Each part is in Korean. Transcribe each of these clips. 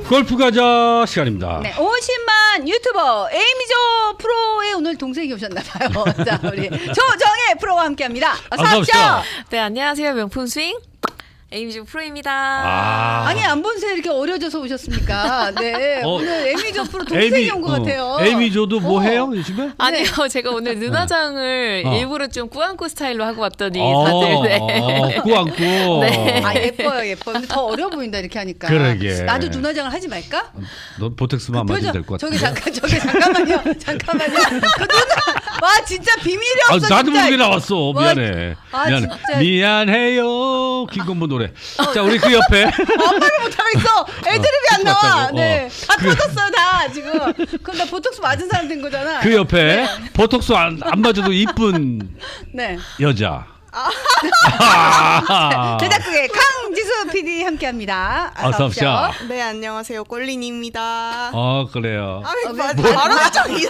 골프 가자 시간입니다. 네, 50만 유튜버 에이미조 프로의 오늘 동생이 오셨나봐요. 자, 우리 조정혜 프로와 함께합니다. 어서 오십시오. 네, 안녕하세요. 명품 스윙 에이미조 프로입니다. 아니 안 본 새 이렇게 어려져서 오셨습니까? 네, 오늘 에이미조 프로 동생이 온 것 같아요. 에이미조도 뭐 해요 요즘에? 아니요, 제가 오늘 눈화장을 일부러 좀 꾸안꾸 스타일로 하고 왔더니 다들 꾸안꾸. 네. 아 예뻐요. 근데 더 어려 보인다 이렇게 하니까. 그러게. 나도 눈화장을 하지 말까? 너 보텍스만 안 맞으면 될 것 같아. 잠깐만요. 그 와 진짜 비밀이 없어. 나도 진짜. 모르게 나왔어. 와, 미안해. 진짜. 미안해요. 김건모 노래. 자 우리 그 옆에 아무를 못하겠어. 애드립이 안 나와. 똑같다고. 네. 다 터졌어요 다 지금. 그럼 나 보톡스 맞은 사람 된 거잖아. 그 옆에 보톡스 안 맞아도 이쁜 네. 여자. 제작국의 강지수 PD 함께합니다. 어서 오십시오. 네, 안녕하세요. 꼴리니입니다. 그래요. 발음이 발음이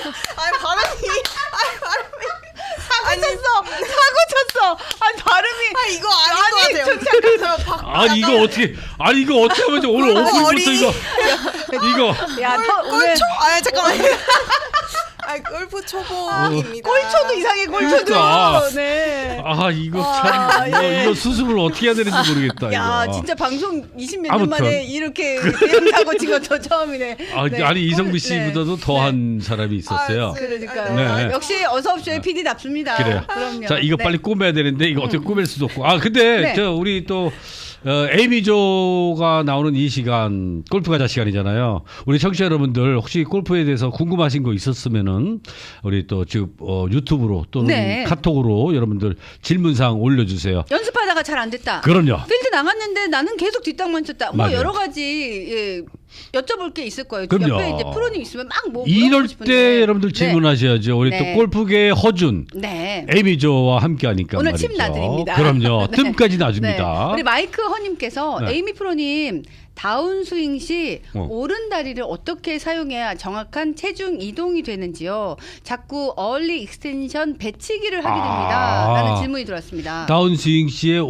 사고 쳤어. 아니 발음이. 이거 아닌 것 같아요. 이거 어떻게 하면 오늘 오프닝부터 이거 야, 오늘 꼴초? 잠깐만요. 골프 초보입니다. 꼴초도 이상해 꼴초도. 그러니까. 네. 이거 참 예. 이거 수습을 어떻게 해야 되는지 모르겠다. 야 이거. 진짜 방송 20몇 년 아무튼. 만에 이렇게 대형사고 찍어 저 처음이네. 네. 아니 이성비 씨보다도 네. 더한 사람이 있었어요. 그러니까 네. 역시 어서 옵쇼의 PD답습니다. 그래요. 그럼요. 자 이거 네. 빨리 꾸며야 되는데 이거 어떻게 꾸밀 수도 없고. 근데 네. 저 우리 또 에이미조가 나오는 이 시간 골프 가자 시간이잖아요. 우리 청취자 여러분들 혹시 골프에 대해서 궁금하신 거 있었으면은 우리 또 지금 유튜브로 또는 네. 카톡으로 여러분들 질문사항 올려주세요. 연습하다가 잘 안 됐다. 그럼요. 필드 나갔는데 나는 계속 뒷땅만 쳤다. 뭐 맞아요. 여러 가지 여쭤볼 게 있을 거예요. 그럼요. 옆에 이제 프로님 있으면 막 이럴 물어보고 싶은데. 때 여러분들 질문하셔야죠. 우리 네. 또 골프계의 허준 네. 에이미조와 함께하니까 오늘 말이죠. 침 놔드립니다. 그럼요. 네. 뜸까지 놔줍니다. 네. 우리 마이크 허님께서 네. 에이미 프로님 다운스윙 시 오른 다리를 어떻게 사용해야 정확한 체중 이동이 되는지요. 자꾸 얼리 익스텐션 배치기를 하게 됩니다. 라는 질문이 들어왔습니다. 다운스윙 시의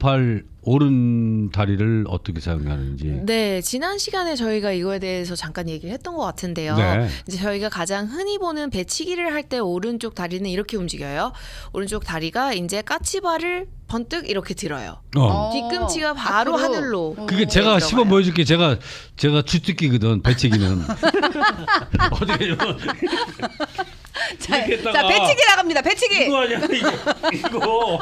오른 다리를 어떻게 사용하는지. 네, 지난 시간에 저희가 이거에 대해서 잠깐 얘기를 했던 것 같은데요. 네. 이제 저희가 가장 흔히 보는 배치기를 할 때 오른쪽 다리는 이렇게 움직여요. 오른쪽 다리가 이제 까치발을 번뜩 이렇게 들어요. 뒤꿈치가 바로 앞으로. 하늘로. 그게 제가 들어가요. 시범 보여줄게. 제가 주특기거든. 배치기는. 어떻게 자, 이렇게 했다가 자, 배치기 나갑니다. 배치기. 이거 아니야 이거.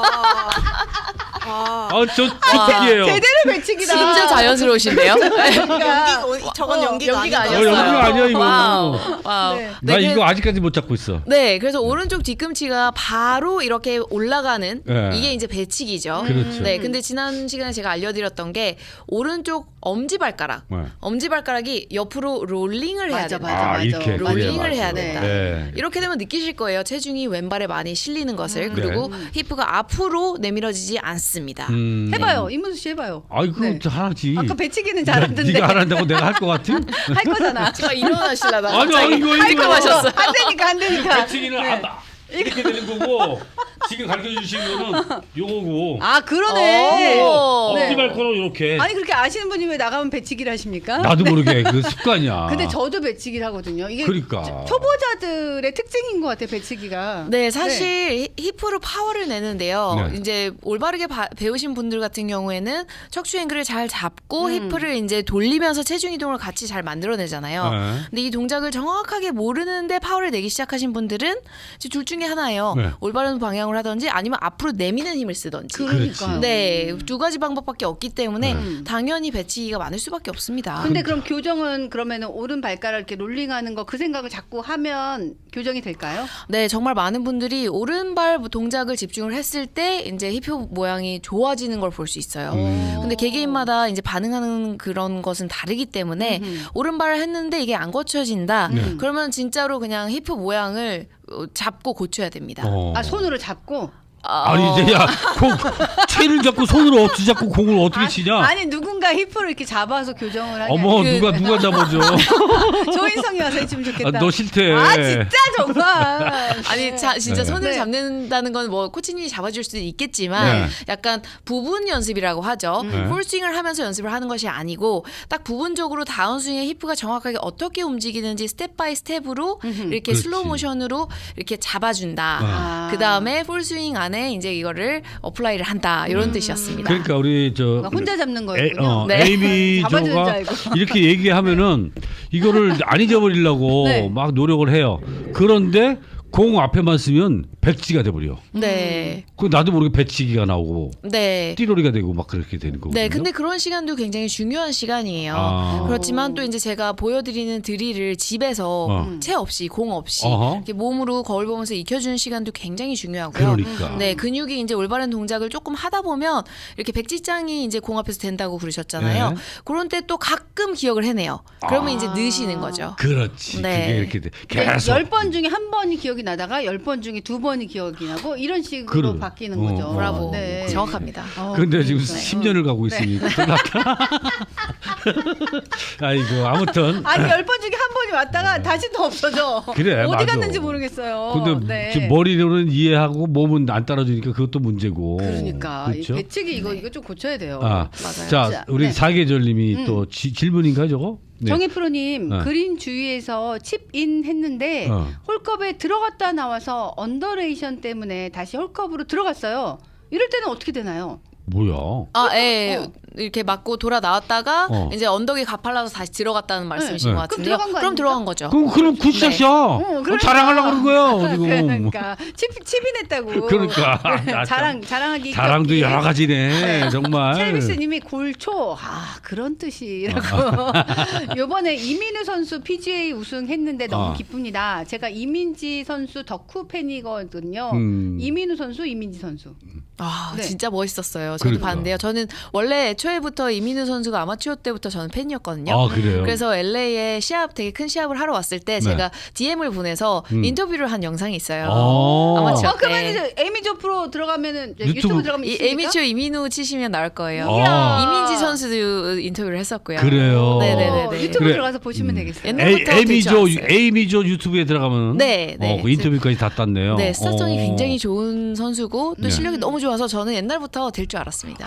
저 주특기예요. 제대로 배치기다. 진짜 자연스러우신데요? 저건 연기가 연기가 아니에요. 연기가 아니야 이거. 와우. 네. 나 네, 이거 아직까지 못 잡고 있어. 네, 그래서 오른쪽 뒤꿈치가 바로 이렇게 올라가는 네. 이게 이제 배치기죠. 그렇죠. 네, 근데 지난 시간에 제가 알려드렸던 게 오른쪽 엄지발가락, 네. 엄지발가락이 옆으로 롤링을 해야 맞아, 된다. 맞아. 이렇게 롤링을 그래, 해야 맞아. 된다. 네. 이렇게 되면 느끼실 거예요. 체중이 왼발에 많이 실리는 것을. 그리고 히프가 앞으로 내밀어지지 않습니다. 해봐요. 이문수 씨 해봐요. 아이고 네. 하나지. 아까 배치기는 잘하던데. 네가 하란다고 내가 할 것 같아? 할 거잖아. 제가 일어나시려다가 아니 갑자기 이거 깔끔하셨어요. 안 되니까. 배치기는 이렇게 되는 거고 지금 가르쳐 주신 거는 요거고. 아 그러네. 오. 네. 엄지발가락 이렇게. 아니 그렇게 아시는 분이 왜 나가면 배치기를 하십니까? 나도 모르게 그 습관이야. 근데 저도 배치기를 하거든요. 이게 그러니까. 초보자들의 특징인 것 같아요. 배치기가. 네, 사실 히프로 파워를 내는데요. 네. 이제 올바르게 배우신 분들 같은 경우에는 척추 앵글을 잘 잡고 히프를 이제 돌리면서 체중 이동을 같이 잘 만들어내잖아요. 네. 근데 이 동작을 정확하게 모르는데 파워를 내기 시작하신 분들은 이제 둘 중에 하나예요. 네. 올바른 방향을 하든지 아니면 앞으로 내미는 힘을 쓰든지. 그러니까요. 네, 두 가지 방법밖에 없기 때문에 네. 당연히 배치기가 많을 수밖에 없습니다. 근데 그럼 교정은 그러면은 오른 발가락 이렇게 롤링하는 거 그 생각을 자꾸 하면 교정이 될까요? 네, 정말 많은 분들이 오른발 동작을 집중을 했을 때 이제 히프 모양이 좋아지는 걸 볼 수 있어요. 근데 개개인마다 이제 반응하는 그런 것은 다르기 때문에 오른발을 했는데 이게 안 고쳐진다. 그러면 진짜로 그냥 히프 모양을 잡고 고쳐야 됩니다. 아 손으로 잡고. 아니 이제 야공 채를 잡고 손으로 어떻게 잡고 공을 어떻게 치냐? 아니 누군가 힙을 이렇게 잡아서 교정을 하냐. 어머 누가 잡아줘? 조인성이 와서 해주면 좋겠다. 너 싫대. 아 진짜 정말. 아니 진짜 네. 손을 네. 잡는다는 건 뭐 코치님이 잡아줄 수도 있겠지만 네. 약간 부분 연습이라고 하죠. 네. 풀스윙을 하면서 연습을 하는 것이 아니고 딱 부분적으로 다운스윙의 히프가 정확하게 어떻게 움직이는지 스텝 바이 스텝으로 이렇게 그렇지. 슬로우 모션으로 이렇게 잡아준다. 아. 그 다음에 풀스윙 안에 이제 이거를 어플라이를 한다 이런 뜻이었습니다. 그러니까 우리 저 혼자 잡는 거였군요. 네. 에이미 잡아주는 줄 조가 알고. 이렇게 얘기하면은 이거를 안 잊어버리려고 네. 막 노력을 해요. 그런데 공 앞에만 쓰면 백지가 돼버려. 네. 그 나도 모르게 배치기가 나오고 네. 띠로리가 되고 막 그렇게 되는 거거든요. 네, 근데 그런 시간도 굉장히 중요한 시간이에요. 아. 그렇지만 또 이제 제가 보여드리는 드릴을 집에서 채 없이 공 없이 어허. 이렇게 몸으로 거울 보면서 익혀주는 시간도 굉장히 중요하고요. 그러니까. 네, 근육이 이제 올바른 동작을 조금 하다 보면 이렇게 백지장이 이제 공 앞에서 된다고 그러셨잖아요. 네. 그런 때 또 가끔 기억을 해내요. 그러면 이제 느시는 거죠. 그렇지. 네. 그게 이렇게 돼. 계속. 10번 중에 한 번이 기억이 나다가 10번 중에 2번이 기억이 나고 이런 식으로 그래. 바뀌는 어, 거죠. 브라보. 네. 정확합니다. 근데 지금 네. 10년을 가고 있으니까 큰일 났다. 아이고 아무튼 아니 10번 중에 한 번이 왔다가 다시 또 없어져. 그래, 어디 맞아. 갔는지 모르겠어요. 근데 네. 지금 머리로는 이해하고 몸은 안 따라주니까 그것도 문제고. 그러니까 이 그렇죠? 배치기 이거 좀 고쳐야 돼요. 아, 맞아요. 자, 자, 우리 네. 사계절님이 또 질문인가요, 저거? 네. 정혜 프로님 네. 그린 주위에서 칩인 했는데 어. 홀컵에 들어갔다 나와서 언더레이션 때문에 다시 홀컵으로 들어갔어요. 이럴 때는 어떻게 되나요? 뭐야? 예. 이렇게 맞고 돌아 나왔다가 이제 언덕이 가팔라서 다시 들어갔다는 말씀이신 네. 것 그럼 같은데요. 들어간 거 그럼 아닙니까? 들어간 거죠. 그럼 굿샷이야. 그러니까. 자랑하려고 그런 거야, 지금. 그러니까 칩인했다고. 그러니까. 나 자랑하기 자랑도 여러 가지네, 네. 정말. 첼비스님이 골초 그런 뜻이라고. 이번에 이민우 선수 PGA 우승했는데 너무 기쁩니다. 제가 이민지 선수 덕후 팬이거든요. 이민우 선수, 이민지 선수. 아 네. 진짜 멋있었어요. 저도 그러니까. 봤는데요. 저는 원래 초에부터 이민우 선수가 아마추어 때부터 저는 팬이었거든요. 아, 그래요? 그래서 LA에 되게 큰 시합을 하러 왔을 때 네. 제가 DM을 보내서 인터뷰를 한 영상이 있어요. 아. 아마추어 그러면 때. 이제 에미조 프로 들어가면 유튜브 유튜브 들어가면 이 있습니까? 에미추어 이민우 치시면 나올 거예요. 아. 이민지 선수도 인터뷰를 했었고요. 그래요? 네네네. 유튜브 그래. 들어가서 보시면 되겠어요. 옛날부터 될줄 알았어요. 에이미조 유튜브에 들어가면 네, 네. 그 인터뷰까지 다 땄네요. 네, 스타성이 굉장히 좋은 선수고 또 네. 실력이 너무 좋아서 저는 옛날부터 될 줄 알았습니다.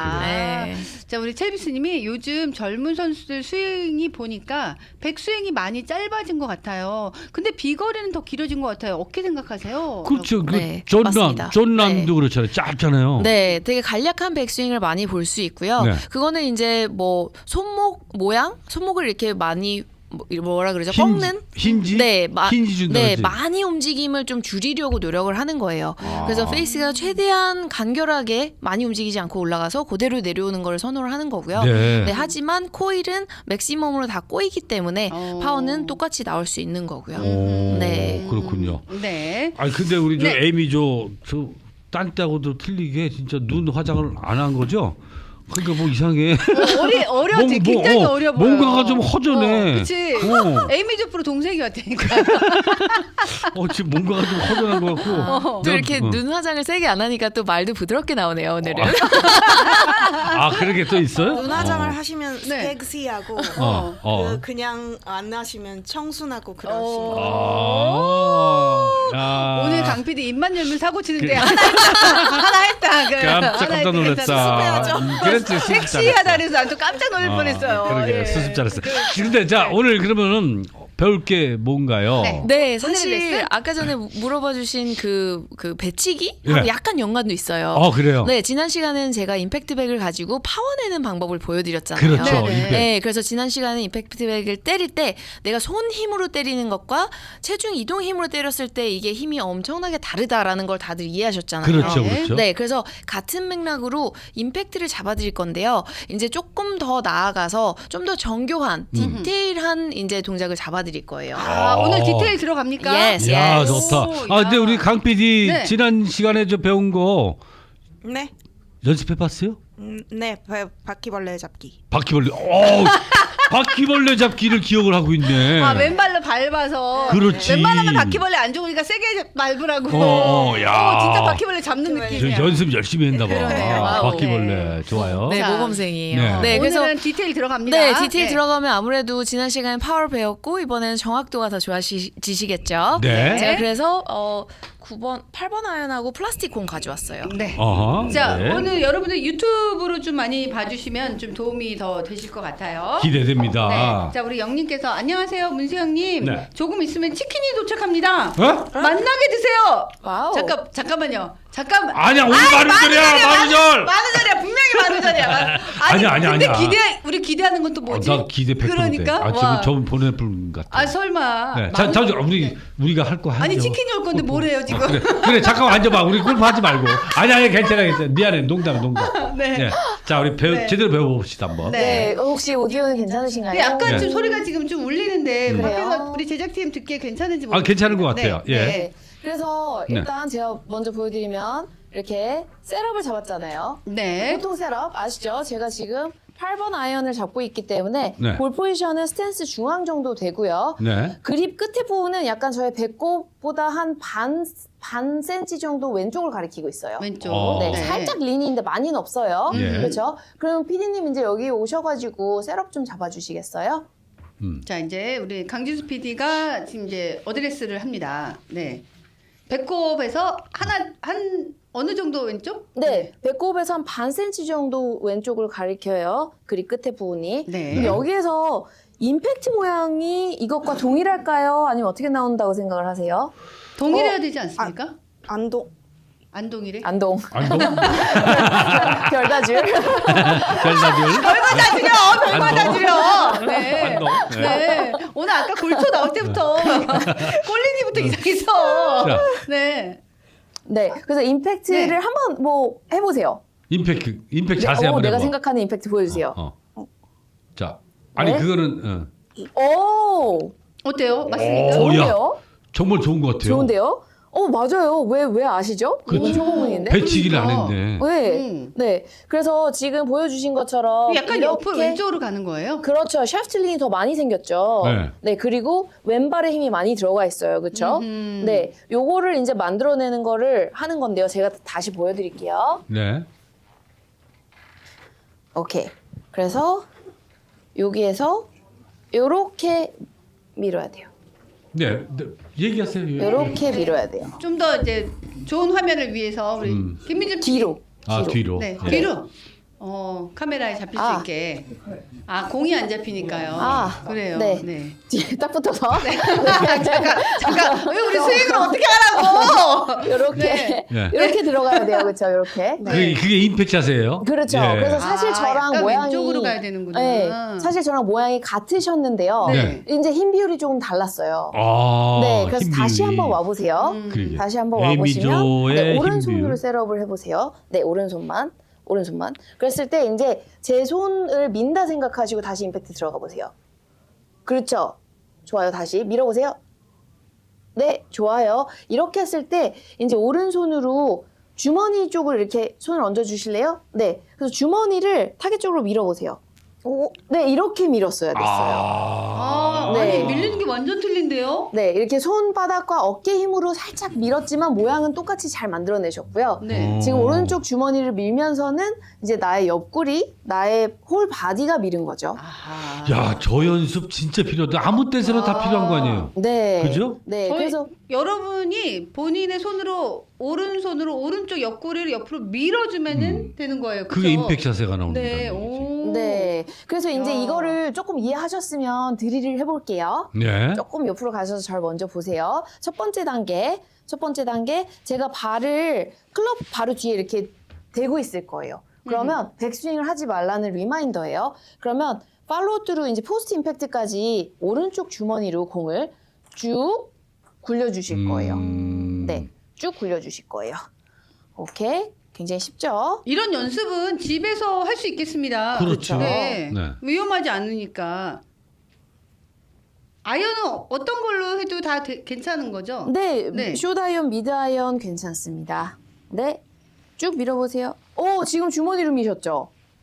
네. 자, 우리 첼비스님이 요즘 젊은 선수들 스윙이 보니까 백스윙이 많이 짧아진 것 같아요. 근데 비거리는 더 길어진 것 같아요. 어떻게 생각하세요? 그렇죠. 네, 존 맞습니다. 존남도 그렇잖아요. 짧잖아요. 네, 되게 간략한 백스윙을 많이 볼 수 있고요. 네. 그거는 이제 뭐 손목 모양, 손목을 이렇게 많이 뭐라 그러죠? 힌지, 꺾는? 힌지? 네, 힌지 준다 네, 그러지? 많이 움직임을 좀 줄이려고 노력을 하는 거예요. 아. 그래서 페이스가 최대한 간결하게 많이 움직이지 않고 올라가서 그대로 내려오는 걸 선호를 하는 거고요. 네. 네, 하지만 코일은 맥시멈으로 다 꼬이기 때문에 파워는 똑같이 나올 수 있는 거고요. 오, 네. 그렇군요. 네. 아니 근데 우리 저 네. 에이미조 딴 때하고도 틀리게 진짜 눈 화장을 안 한 거죠? 그러니까 뭐 이상해. 어려지. 굉장히 어려 보여. 뭔가가 좀 허전해. 그렇지. 에이미조 프로 동생이 왔다니까. 지금 뭔가가 좀 허전한 것 같고. 또 이렇게 어. 눈 화장을 세게 안 하니까 또 말도 부드럽게 나오네요, 오늘은. 그런 게 또 있어요? 눈화장을 하시면 네. 섹시하고 그냥 안 하시면 청순하고 그러시면 오늘 강 PD 입만 열면 사고 치는데 하나 했다. 깜짝 놀랐다. 그랬지. 섹시하다 그래서 난 또 깜짝 놀랄 뻔했어요. 그러게 예. 수습 잘했어. 근데 자 오늘 그러면은 배울 게 뭔가요? 네, 오늘의 사실 레슨? 아까 전에 물어봐 주신 그 배치기 예. 하고 약간 연관도 있어요. 그래요? 네, 지난 시간에는 제가 임팩트백을 가지고 파워내는 방법을 보여드렸잖아요. 그렇죠. 네네. 임팩트. 네, 그래서 지난 시간에 임팩트백을 때릴 때 내가 손 힘으로 때리는 것과 체중 이동 힘으로 때렸을 때 이게 힘이 엄청나게 다르다라는 걸 다들 이해하셨잖아요. 그렇죠, 네. 그렇죠. 네, 그래서 같은 맥락으로 임팩트를 잡아드릴 건데요. 이제 조금 더 나아가서 좀 더 정교한 디테일한 이제 동작을 잡아드릴 거예요. 오늘 디테일 들어갑니까? Yes, 야 yes. 좋다. 근데 우리 강 PD 네. 지난 시간에 저 배운 거 네, 연습해봤어요? 네, 바퀴벌레 잡기. 바퀴벌레. 바퀴벌레 잡기를 기억을 하고 있네. 아, 왼발로 밟아서. 그렇지. 웬만하면 바퀴벌레 안 좋으니까 세게 밟으라고. 야. 진짜 바퀴벌레 잡는 저 느낌이야. 연습 열심히 했나 봐. 그러네요. 바퀴벌레 좋아요. 네, 자. 모범생이에요. 네. 네, 그래서 오늘은 디테일 들어갑니다. 네, 디테일 네. 들어가면 아무래도 지난 시간에 파워를 배웠고 이번에는 정확도가 더 좋아지시겠죠. 네. 제가 그래서 8번 아이언하고 플라스틱 공 가져왔어요. 네. 어허. 자, 네. 오늘 여러분들 유튜브로 좀 많이 봐주시면 좀 도움이 더 되실 것 같아요. 기대됩니다. 네. 자, 우리 영님께서 안녕하세요, 문세영님. 네. 조금 있으면 치킨이 도착합니다. 어? 만나게 드세요. 와우. 잠깐만요. 잠깐만. 아니야, 오늘 만우절이야, 만우절. 만우절이야, 분명히 만우절이야. 아니야, 근데 아니야. 우리 기대하는 건 또 뭐지? 나 기대 100%. 그러니까. 아, 와. 지금 보낼 분 같아. 아, 설마. 네. 잠시만, 우리가 할 거 하죠. 아니, 치킨이 올 건데 뭐래요, 지금? 그래, 잠깐만 앉아봐. 우리 골프 하지 말고. 아니, 괜찮아. 미안해. 농담. 네. 자, 우리 네. 제대로 배워봅시다, 한번. 네. 혹시 오디오는 괜찮으신가요? 근데 약간 네. 좀 소리가 지금 좀 울리는데 그래요? 밖에서 우리 제작팀 듣기에 괜찮은지 모르겠어요. 괜찮은 것 같아요. 네. 예. 네. 그래서 네. 일단 제가 먼저 보여드리면 이렇게 셋업을 잡았잖아요. 네. 보통 셋업 아시죠? 제가 지금 8번 아이언을 잡고 있기 때문에 네. 볼 포지션은 스탠스 중앙 정도 되고요. 네. 그립 끝에 부분은 약간 저의 배꼽보다 한 반 센치 정도 왼쪽을 가리키고 있어요. 왼쪽. 네, 살짝 린인데 많이는 없어요. 예. 그렇죠? 그럼 피디님 이제 여기 오셔가지고 셋업 좀 잡아주시겠어요? 자, 이제 우리 강지수 PD가 지금 이제 어드레스를 합니다. 네. 배꼽에서 한 어느 정도 왼쪽? 네, 배꼽에서 한 반 센치 정도 왼쪽을 가리켜요. 그립 끝에 부분이. 네. 그럼 여기에서 임팩트 모양이 이것과 동일할까요? 아니면 어떻게 나온다고 생각을 하세요? 동일해야 되지 않습니까? 안동. 안 동일해? 안동. 안동? 별다줄. 별다줄? 별받아 주려! 별받아 안동? 주려! 네. 안동? 네. 네. 오늘 아까 골초 나올 때부터 꼴리니부터 이상해서. 자. 네. 네, 그래서 임팩트를 네. 한번 뭐 해보세요. 임팩트 자세히 한번 내가 해봐. 생각하는 임팩트 보여주세요. 자, 아니 네? 그거는 오, 어때요? 맞습니까? 오, 야. 좋은데요? 정말 좋은 것 같아요. 좋은데요? 맞아요. 왜 아시죠? 이건 초보문인데. 배치기를 안 그러니까. 했네. 네, 네. 그래서 지금 보여주신 것처럼 약간 이렇게 옆으로 왼쪽으로 가는 거예요? 그렇죠. 샤프트링이 더 많이 생겼죠. 네. 네, 그리고 왼발에 힘이 많이 들어가 있어요. 그렇죠? 음흠. 네, 요거를 이제 만들어내는 거를 하는 건데요. 제가 다시 보여드릴게요. 네. 오케이. 그래서 여기에서 요렇게 밀어야 돼요. 네. 얘기하세요. 요렇게 밀어야 돼요. 좀 더 이제 좋은 화면을 위해서 우리 김민준 PD. 뒤로. 뒤로. 네, 예. 뒤로. 카메라에 잡힐 아. 수 있게. 공이 안 잡히니까요. 아, 그래요. 네. 네. 뒤에 딱 붙어서 잠깐. 왜 우리 스윙을 어떻게 하라고? 요렇게 네. 요렇게 들어가야 돼요. 그렇죠? 요렇게. 그게 임팩트 자세예요? 그렇죠. 예. 그래서 사실 저랑 약간 모양이 왼쪽으로 가야 되는구나. 네, 사실 저랑 모양이 같으셨는데요. 네. 이제 힘 비율이 조금 달랐어요. 아, 네, 그래서 힘 다시 비율이. 한번 와보세요. 그러게. 다시 한번 와보시면 에이미조의 네, 힘 오른손으로 비율. 셋업을 해보세요. 네, 오른손만. 그랬을 때 이제 제 손을 민다 생각하시고 다시 임팩트 들어가 보세요. 그렇죠. 좋아요. 다시 밀어보세요. 네, 좋아요. 이렇게 했을 때 이제 오른손으로 주머니 쪽을 이렇게 손을 얹어 주실래요? 네. 그래서 주머니를 타겟 쪽으로 밀어보세요. 오, 네, 이렇게 밀었어야 됐어요. 네. 아니 밀리는 게 완전 틀린데요? 네, 이렇게 손바닥과 어깨 힘으로 살짝 밀었지만 모양은 똑같이 잘 만들어내셨고요. 네. 지금 오른쪽 주머니를 밀면서는 이제 나의 옆구리, 나의 홀 바디가 밀은 거죠. 아하. 야, 저 연습 진짜 필요하다. 아무 때서나 다 필요한 거 아니에요? 네. 그죠? 네, 저희 그래서 여러분이 본인의 손으로 오른손으로 오른쪽 옆구리를 옆으로 밀어주면은 되는 거예요. 그죠? 그게 임팩트 자세가 나오는 네. 거죠. 오. 네. 그래서 이제 야. 이거를 조금 이해하셨으면 드릴을 해볼게요. 네. 조금 옆으로 가셔서 절 먼저 보세요. 첫 번째 단계, 제가 발을 클럽 바로 뒤에 이렇게 대고 있을 거예요. 그러면 백스윙을 하지 말라는 리마인더예요. 그러면 팔로우 트루 이제 포스트 임팩트까지 오른쪽 주머니로 공을 쭉 굴려주실 거예요. 네, 쭉 굴려주실 거예요. 오케이, 굉장히 쉽죠? 이런 연습은 집에서 할 수 있겠습니다. 그렇죠. 네. 네. 위험하지 않으니까. 아이언은 어떤 걸로 해도 다 괜찮은 거죠? 네, 네. 숏아이언, 미드아이언 괜찮습니다. 네, 쭉 밀어보세요. 오, 지금 주머니로 미셨죠?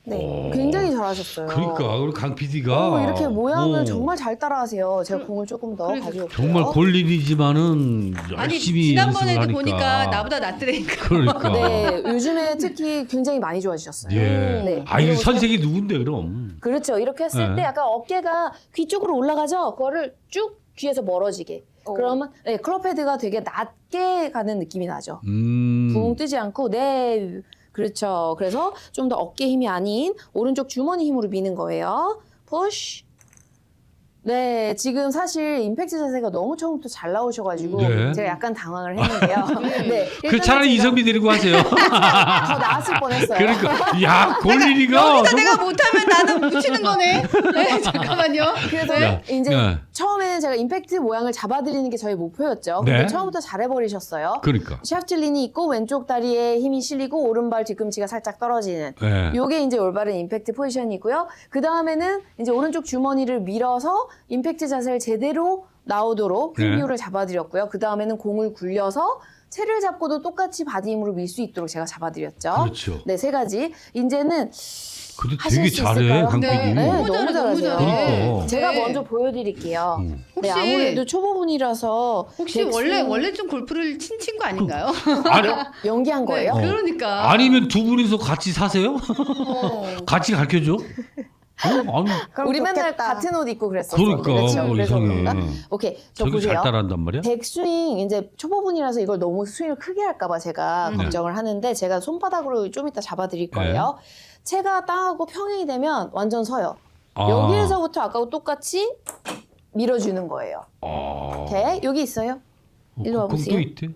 네, 굉장히 잘하셨어요. 그러니까 우리 강 PD가 이렇게 모양을 정말 잘 따라하세요. 제가 공을 조금 더 가지고 올게요. 정말 골린이지만은 아니 열심히 지난번에도 연습을 보니까 하니까. 나보다 낫더라니까. 그러니까. 네, 요즘에 특히 굉장히 많이 좋아지셨어요. 예. 네. 아 이거 그리고 선생이 누군데 그럼? 그렇죠. 이렇게 했을 네. 때 약간 어깨가 귀 쪽으로 올라가죠. 그거를 쭉 귀에서 멀어지게. 그러면 네, 클럽 헤드가 되게 낮게 가는 느낌이 나죠. 붕 뜨지 않고 네. 그렇죠. 그래서 좀 더 어깨 힘이 아닌 오른쪽 주머니 힘으로 미는 거예요. 푸시. 네, 지금 사실 임팩트 자세가 너무 처음부터 잘 나오셔가지고 네. 제가 약간 당황을 했는데요. 네, 그 일단은 차라리 제가 이성미 데리고 하세요. 더 나았을 뻔했어요. 그러니까 야 골린이가 여기서 내가 못하면 나는 묻히는 거네. 네, 잠깐만요. 그래서 네. 이제 네. 처음에는 제가 임팩트 모양을 잡아드리는 게 저희 목표였죠. 네. 근데 처음부터 잘해버리셨어요. 그러니까. 샤프트 린이 있고 왼쪽 다리에 힘이 실리고 오른발 뒤꿈치가 살짝 떨어지는 네. 요게 이제 올바른 임팩트 포지션이고요. 그 다음에는 이제 오른쪽 주머니를 밀어서 임팩트 자세를 제대로 나오도록 네. 힙 비율을 잡아드렸고요. 그 다음에는 공을 굴려서 채를 잡고도 똑같이 바디 힘으로 밀 수 있도록 제가 잡아드렸죠. 그렇죠. 네, 세 가지. 이제는 근데 하실 되게 수 잘해 있을까요? 강 PD. 네. 네, 너무 너무 잘해, 너무 잘하세요. 잘해. 그러니까. 제가 네. 먼저 보여드릴게요. 네, 혹시- 아무래도 초보분이라서 혹시 백스윙 원래 좀 골프를 친 친구 아닌가요? 아니, 연기한 거예요? 네, 그러니까. 아니면 두 분이서 같이 사세요? 어. 같이 가르쳐줘? 아니 우리 맨날 좋겠다. 같은 옷 입고 그랬었어. 그러니까 그렇죠? 그래서 이상해. 그런가? 오케이, 저 저기 잘 보세요. 따라한단 말이야? 백스윙 이제 초보분이라서 이걸 너무 스윙을 크게 할까봐 제가 걱정을 하는데 제가 손바닥으로 좀 이따 잡아드릴 거예요. 채가 땅하고 평행이 되면 완전 서요. 아. 여기에서부터 아까와 똑같이 밀어주는 거예요. 아. 오케이, 여기 있어요. 일로 와보세요. 또 있대?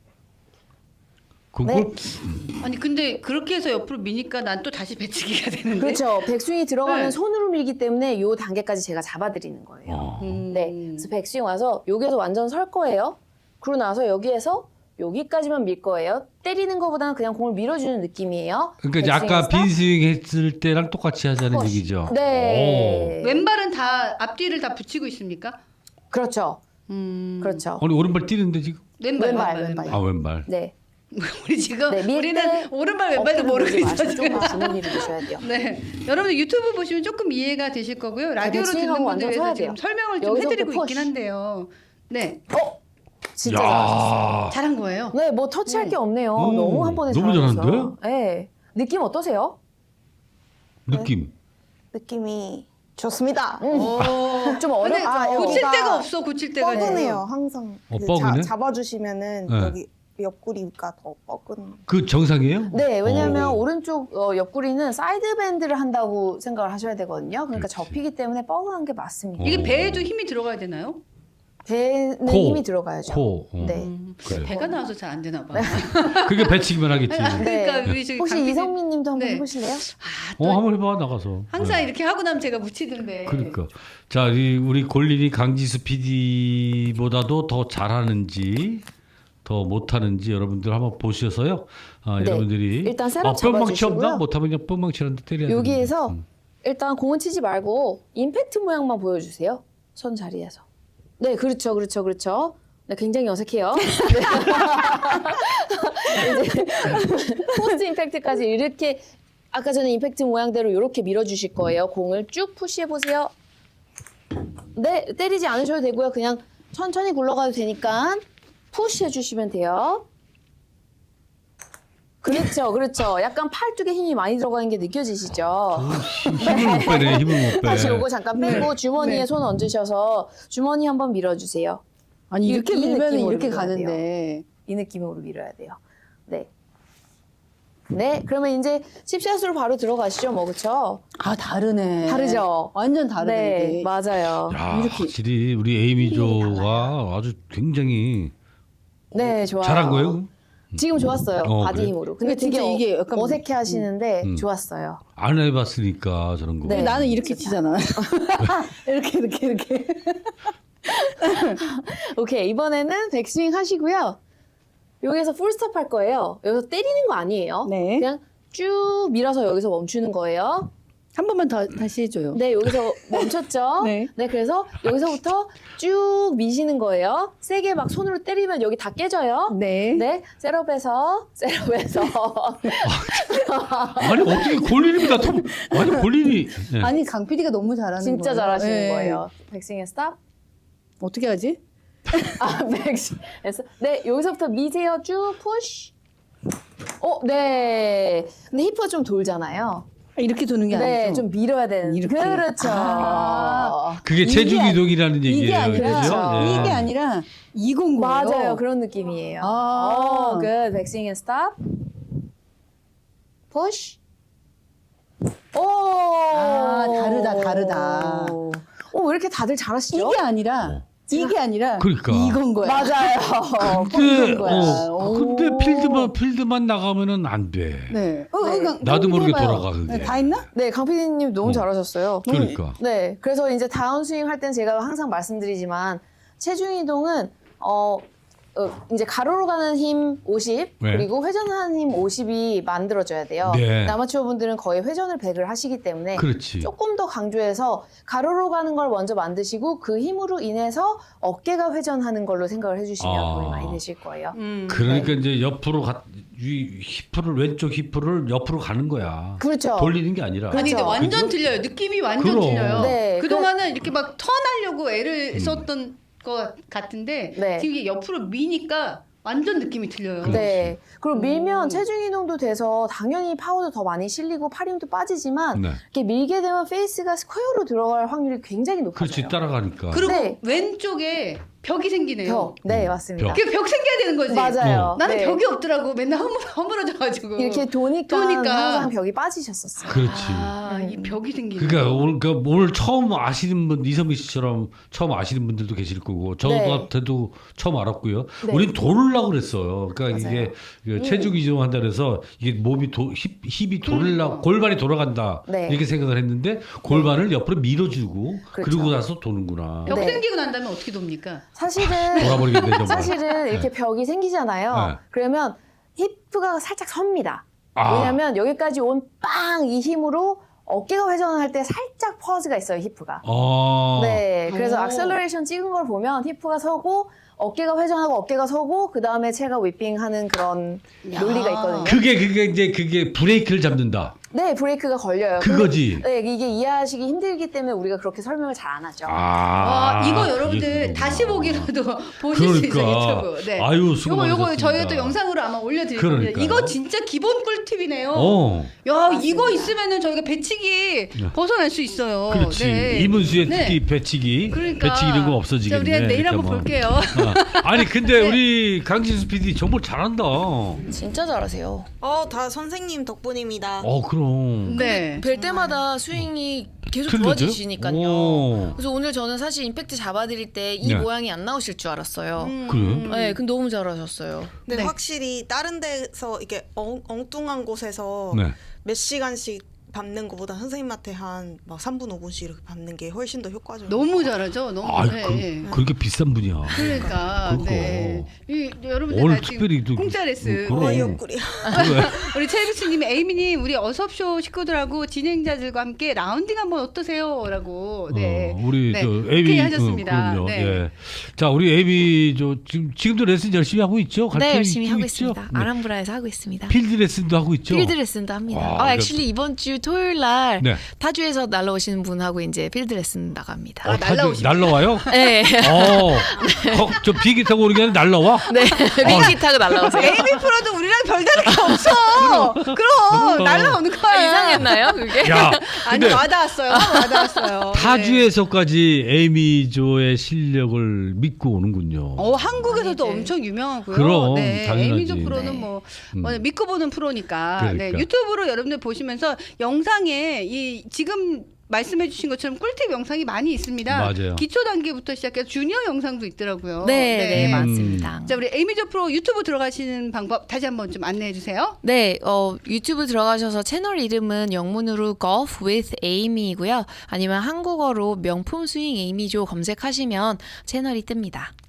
그걸 네. 아니 근데 그렇게 해서 옆으로 미니까 난 또 다시 배치기가 되는데. 그렇죠. 백스윙이 들어가면 네. 손으로 밀기 때문에 요 단계까지 제가 잡아드리는 거예요. 아. 네, 그래서 백스윙 와서 여기에서 완전 설 거예요. 그러고 나서 여기에서 여기까지만 밀 거예요. 때리는 것보다는 그냥 공을 밀어주는 느낌이에요. 그러니까 이제 아까 백스윙 빈스윙 했을 때랑 똑같이 하자는 스쿼시. 얘기죠. 네. 왼발은 다 앞뒤를 다 붙이고 있습니까? 그렇죠. 그렇죠. 아니 오른발 뛰는데 지금? 왼발. 아 왼발. 네. 우리 지금 네, 밀 우리는 때 오른발 왼발도 어깨를 모르고 돌리지 있어 마시고 지금. 조금 주머니를 드셔야 돼요. 네, 여러분들 유튜브 보시면 조금 이해가 되실 거고요. 라디오로 듣는 백스윙하고 분들 완전 위해서 서야 지금 돼요. 설명을 좀 여기서부터 해드리고 푸시. 있긴 한데요. 네, 진짜 잘하셨어요. 야. 잘한 거예요. 네, 뭐 터치할 게 없네요. 오, 너무 한 번에 너무 잘하셔서. 잘하는데? 네. 느낌 어떠세요? 느낌. 느낌이 좋습니다. 좀 근데 어렵죠. 고칠 여기가 데가 없어. 고칠 데가. 뻐근해요. 항상 그 뻐근해? 잡아주시면은 네. 여기 옆구리가 더 뻐근. 그 정상이에요? 네, 왜냐하면 오른쪽 옆구리는 사이드 밴드를 한다고 생각을 하셔야 되거든요. 그러니까 그렇지. 접히기 때문에 뻐근한 게 맞습니다. 이게 배에도 힘이 들어가야 되나요? 배는 코. 힘이 들어가야죠. 코. 네. 그래. 배가 나와서 잘 안 되나 봐. 그게 배치기만 하겠지. 그러니까 우리 저기 혹시 강 PD 이성민 님도 한번 네. 해보실래요? 한번 해봐 나가서. 항상 네. 이렇게 하고 나면 제가 묻히던데. 그러니까 자 우리 골린이 강지수 PD보다도 더 잘하는지 더 못하는지 여러분들 한번 보셔서요. 아, 네. 여러분들이 일단 셋업 뿅망치 잡아주시고요. 없나? 못하면 그냥 뿅망치라는데 때려야 여기에서 되는데. 일단 공은 치지 말고 임팩트 모양만 보여주세요. 손 자리에서. 네, 그렇죠, 그렇죠, 그렇죠. 네, 굉장히 어색해요. 네. 이제 포스트 임팩트까지 이렇게 아까 전에 임팩트 모양대로 이렇게 밀어주실 거예요. 공을 쭉 푸시해 보세요. 네, 때리지 않으셔도 되고요. 그냥 천천히 굴러가도 되니까 푸시해 주시면 돼요. 그렇죠, 그렇죠. 약간 팔뚝에 힘이 많이 들어가는 게 느껴지시죠? 힘을 못 빼네. 힘을 못 빼. 다시 요거 잠깐 빼고 주머니에 네. 손 얹으셔서 주머니 한번 밀어주세요. 아니 이렇게 이 밀면 느낌으로 이렇게 밀어야 가는데. 이 느낌으로 밀어야 돼요. 네. 네, 그러면 이제 칩샷으로 바로 들어가시죠, 뭐 그렇죠? 아 다르네. 다르죠? 완전 네, 맞아요. 야, 확실히 우리 에이미조가 아주 굉장히 네, 좋아요. 잘한 거예요. 지금 좋았어요, 바디 그래? 힘으로. 근데 근데 진짜 되게 이게 약간 어색해 하시는데 음. 좋았어요. 안 해봤으니까 저런 거. 네. 나는 이렇게 치잖아. 이렇게. 오케이, 이번에는 백스윙 하시고요. 여기서 풀스톱 할 거예요. 여기서 때리는 거 아니에요. 네. 그냥 쭉 밀어서 여기서 멈추는 거예요. 한 번만 더 다시 해줘요. 네, 여기서 멈췄죠? 네. 네, 그래서 여기서부터 쭉 미시는 거예요. 세게 막 손으로 때리면 여기 다 깨져요. 네. 네, 셋업에서. 아니 어떻게 골린입니다. 아니 골린이. 네. 아니 강 PD가 너무 잘하는 진짜 거예요. 잘하시는 네. 거예요. 백스윙에 스탑. 어떻게 하지? 아, 백스윙에서. 네, 여기서부터 미세요. 쭉 푸시. 네. 근데 히프가 좀 돌잖아요. 이렇게 도는 게 네, 아니죠. 좀 밀어야 되는. 이렇게. 그렇죠. 그게 이게 체중 이동이라는 얘기예요. 이게 아니라 그죠? 예. 이게 아니라 이건 거예요. 맞아요. 그런 느낌이에요. 아. good. 백스윙 앤 스탑. 푸시. 오. 아, 다르다. 왜 이렇게 다들 잘하시죠? 이게 아니라 이게 아니라 그러니까. 이건 거야. 맞아요. 근데 이건 거야. 근데 필드만 나가면은 안 돼. 네. 네. 나도 모르게 해봐요. 돌아가, 그게. 네, 다 했나? 네, 강PD님 너무 잘하셨어요. 그러니까. 네, 그래서 이제 다운스윙 할 땐 제가 항상 말씀드리지만 체중 이동은 이제 가로로 가는 힘 50 네. 그리고 회전하는 힘 50이 만들어져야 돼요. 네. 아마추어 분들은 거의 회전을 100을 하시기 때문에 그렇지. 조금 더 강조해서 가로로 가는 걸 먼저 만드시고 그 힘으로 인해서 어깨가 회전하는 걸로 생각을 해주시면 아. 도움이 많이 되실 거예요. 그러니까 이제 옆으로 왼쪽 히프를 옆으로 가는 거야. 그렇죠. 돌리는 게 아니라. 아니 근데 그렇죠. 완전 그죠? 틀려요. 느낌이 완전 그럼. 틀려요. 네, 그동안은 이렇게 막 턴하려고 애를 썼던 것 같은데 네. 지금 이게 옆으로 미니까 완전 느낌이 틀려요. 네. 그리고 밀면 오. 체중 이동도 돼서 당연히 파워도 더 많이 실리고 팔 힘도 빠지지만 네. 이렇게 밀게 되면 페이스가 스퀘어로 들어갈 확률이 굉장히 높아져요. 그렇지 따라가니까. 그리고 네. 왼쪽에 벽이 생기네요. 벽. 네, 맞습니다. 그 벽 생겨야 되는 거지. 맞아요. 나는 네. 벽이 없더라고. 맨날 허물어져가지고. 이렇게 도니까 항상 벽이 빠지셨었어요. 그렇지. 아, 이 벽이 생기네. 그러니까 오늘 처음 아시는 분 이선미 씨처럼 처음 아시는 분들도 계실 거고 저한테도 처음 알았고요. 네. 우린 돌으려고 그랬어요. 그러니까 맞아요. 이게 체중 이동한다 그래서 이게 몸이 힙이 돌으려고 골반이 돌아간다 네. 이렇게 생각을 했는데 골반을 옆으로 밀어주고 그렇죠. 그러고 나서 도는구나. 벽 네. 생기고 난 다음에 어떻게 돕니까? 사실은 돌아버리겠네 정말. 사실은 이렇게 벽이 생기잖아요. 네. 그러면 히프가 살짝 섭니다. 아. 왜냐하면 여기까지 온 빵 이 힘으로 어깨가 회전할 때 살짝 퍼즈가 있어요, 히프가. 네, 그래서 오. 악셀러레이션 찍은 걸 보면 히프가 서고 어깨가 회전하고 어깨가 서고 그 다음에 체가 휘핑하는 그런 야. 논리가 있거든요. 그게 브레이크를 잡는다. 네, 브레이크가 걸려요. 그거지. 네, 이게 이해하시기 힘들기 때문에 우리가 그렇게 설명을 잘 안 하죠. 와, 이거 여러분들 이게 다시 보기로도 보실 수 있어요, 그러니까. 유튜브. 네. 아유, 수고 요거 많으셨습니다. 저희가 또 영상으로 아마 올려드릴 그러니까요. 겁니다. 이거 진짜 기본 꿀팁이네요. 야, 맞습니다. 이거 있으면은 저희가 배치기 벗어날 수 있어요. 그렇지. 네. 이문수의 네. 특히 배치기. 그러니까. 배치기 이런 거 자, 없어지겠네. 우리 내일 이렇게 한번 하면. 볼게요. 아니 근데 우리 강진수 PD 정말 잘한다. 진짜 잘하세요. 다 선생님 덕분입니다. 그럼. 네. 뵐 때마다 스윙이 계속 틀리죠? 좋아지시니까요. 오. 그래서 오늘 저는 사실 임팩트 잡아드릴 때 이 네. 모양이 안 나오실 줄 알았어요. 그래요? 네, 근데 너무 잘하셨어요. 근데 네. 확실히 다른 데서 이게 엉뚱한 곳에서 네. 몇 시간씩 밟는 것보다 선생님한테 한 막 3분 5분씩 이렇게 밟는 게 훨씬 더 효과적이에요. 너무 잘하죠. 너무. 아, 네. 그렇게 비싼 분이야. 그러니까. 그거. 네. 여러분들 오늘 다 지금 특별히 또- 공짜 레슨. 그럼. 옆구리야. 우리 최비스님, 에이미님, 우리 어섭쇼 식구들하고 진행자들과 함께 라운딩 한번 어떠세요?라고. 네. 우리 네. 저 오케이 에이비 하셨습니다. 그럼요. 네. 예. 자, 우리 에이비 지금도 레슨 열심히 하고 있죠? 네, 가르쳐 열심히 하고 있죠? 있습니다. 네. 아람브라에서 하고 있습니다. 필드 레슨도 하고 있죠? 필드 레슨도 합니다. 와, 액츄얼리 이번 주 토요일 날 네. 타주에서 날라오시는 분하고 이제 필드 레슨 나갑니다. 날라오십니다. 날라와요? 네. 저 비행기 타고 오는 게 아니라 날라와? 네. 비행기 타고 날라오세요. 에이미 프로도 우리랑 별다를 게 없어. 그럼 날라오는 거야. 이상했나요, 그게? 야, 아니 근데 와닿았어요. 와닿았어요. 타주에서까지 에이미조의 실력을 믿고 오는군요. 한국에서도 아니지. 엄청 유명하고요. 그럼, 네, 당연하지. 에이미조 프로는 네. 뭐 믿고 보는 프로니까. 그러니까. 네, 유튜브로 여러분들 보시면서 영상에 이 지금 말씀해주신 것처럼 꿀팁 영상이 많이 있습니다. 맞아요. 기초 단계부터 시작해서 주니어 영상도 있더라고요. 네, 네, 맞습니다. 자, 우리 에이미조 프로 유튜브 들어가시는 방법 다시 한번 좀 안내해 주세요. 네, 유튜브 들어가셔서 채널 이름은 영문으로 Golf with Amy이고요. 아니면 한국어로 명품 스윙 에이미조 검색하시면 채널이 뜹니다.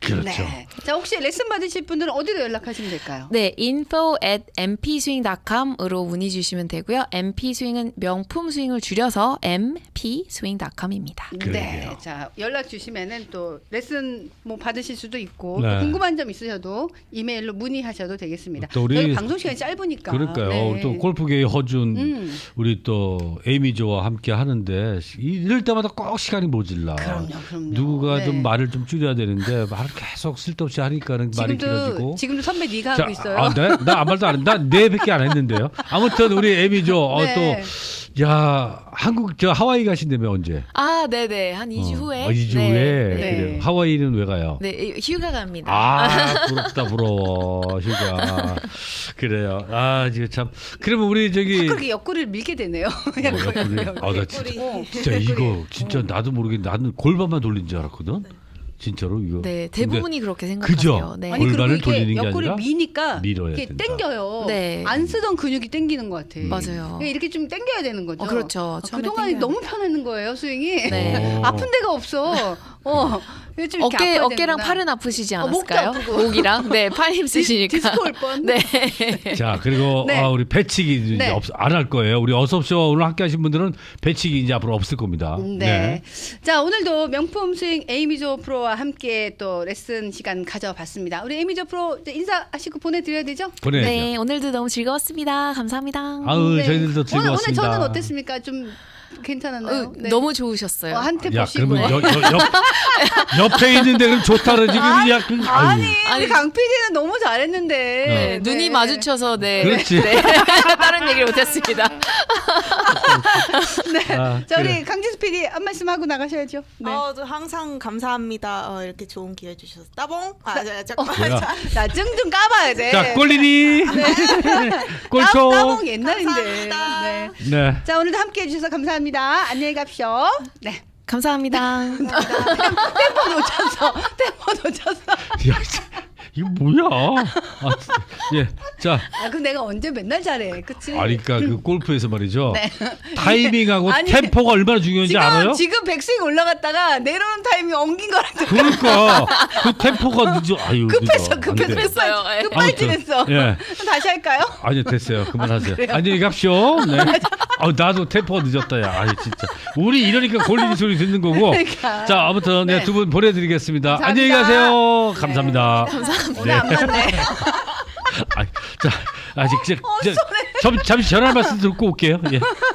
그렇죠. 네. 자, 혹시 레슨 받으실 분들은 어디로 연락하시면 될까요? 네, info@mpswing.com으로 문의 주시면 되고요. mpswing은 명품 스윙을 줄여서 mpswing.com입니다. 네. 그러게요. 자, 연락 주시면은 또 레슨 뭐 받으실 수도 있고 네. 또 궁금한 점 있으셔도 이메일로 문의하셔도 되겠습니다. 또 우리- 저희 방송 시간이 짧으니까. 그러니까요. 네. 우리 또 골프계의 허준 우리 또 에이미조와 함께 하는데 이럴 때마다 꼭 시간이 모질라. 그럼요. 누가 네. 좀 말을 좀 줄여야 되는데 말을 계속 쓸데없이 하니까는 말이 길어지고. 지금도 선배 네가 하고 있어요. 네? 나 아무 말도 안 했는데 네 밖에 안 했는데요. 아무튼 우리 에이미조 네. 또 야, 한국 저 하와이 가신다며 언제? 아, 네네. 한 2주 후에. 2주 네, 후에. 네. 그래요. 하와이는 왜 가요? 네, 휴가 갑니다. 아, 부럽다 부러워. 휴가. 그래요. 아, 지금 참. 그러면 우리 저기 그렇게 옆구리를 밀게 되네요. 옆구리. 아, 나 진짜, 꼬리. 진짜 이거 진짜 나도 모르게 나는 골반만 돌린 줄 알았거든. 진짜로 이거. 네, 근데 대부분이 그렇게 생각하세요. 그죠? 네. 아니 그리고 골반을 이게 돌리는 게 옆구리 아니라 미니까 밀어야 이렇게 된다. 당겨요. 네. 안 쓰던 근육이 당기는 것 같아. 맞아요. 그러니까 이렇게 좀 당겨야 되는 거죠. 그렇죠. 처음에 그동안이 당겨야 너무 편했는 거예요 스윙이. 네. 아픈 데가 없어. 이거 좀 이렇게 아파야 어깨랑 되는구나. 팔은 아프시지 목도 않았을까요? 아프고. 목이랑 네, 팔 힘쓰시니까. 디스코 올 뻔. 네. 자, 그리고 네. 우리 배치기 네. 이제 안 할 거예요. 우리 어섭쇼 오늘 함께 하신 분들은 배치기 이제 앞으로 없을 겁니다. 네. 자, 오늘도 명품 스윙 에이미조 프로와 함께 또 레슨 시간 가져봤습니다. 우리 에이미조 프로 이제 인사하시고 보내드려야 되죠? 보내야죠. 네, 오늘도 너무 즐거웠습니다. 감사합니다. 아우, 네. 저희들도 오늘 즐거웠습니다. 저는 어땠습니까? 좀 괜찮았나요? 네. 너무 좋으셨어요. 한테 야, 보시고. 그러면 옆에 있는데 그럼 좋다 그러지. 야, 그, 아니, 아니. 우리 강 PD는 너무 잘했는데. 네, 눈이 마주쳐서 네. 그렇지. 네. 다른 얘기를 못했습니다. 네. 아, 자, 그래. 우리 강지수 PD 한 말씀 하고 나가셔야죠. 네. 저 항상 감사합니다. 이렇게 좋은 기회 주셔서 따봉. 잠깐만. 뭐야. 자, 증 좀 까봐야 돼. 자, 꼴리니. 꼴초. 따봉 옛날인데. 감사합니다. 네. 네. 자, 오늘도 함께 해주셔서 감사합니다. 안녕히 갑시오. 네. 감사합니다. 템포 놓쳤어. 야, 이거 뭐야? 아, 예. 자, 아, 그럼 내가 언제 맨날 잘해. 그치? 그러니까 그 골프에서 말이죠. 네. 타이밍하고 아니, 템포가 얼마나 중요한지 알아요? 지금 백스윙 올라갔다가 내려오는 타이밍 옮긴 거랑 그러니까 그 템포가 늦어. 아유, 급했어. 늦어. 안 돼. 급했어요. 예. 급발진했어. 예. 다시 할까요? 아니요, 됐어요. 그만하세요. 그래요? 안녕히 갑시오. 네. 나도 템포가 늦었다. 야, 아니 진짜. 우리 이러니까 골리니 소리 듣는 거고. 그러니까. 자, 아무튼 네. 네, 두 분 보내드리겠습니다. 감사합니다. 안녕히 가세요. 네. 감사합니다. 오늘 안 맞네. 자, 아직 잠시 전화 말씀 듣고 올게요. 예.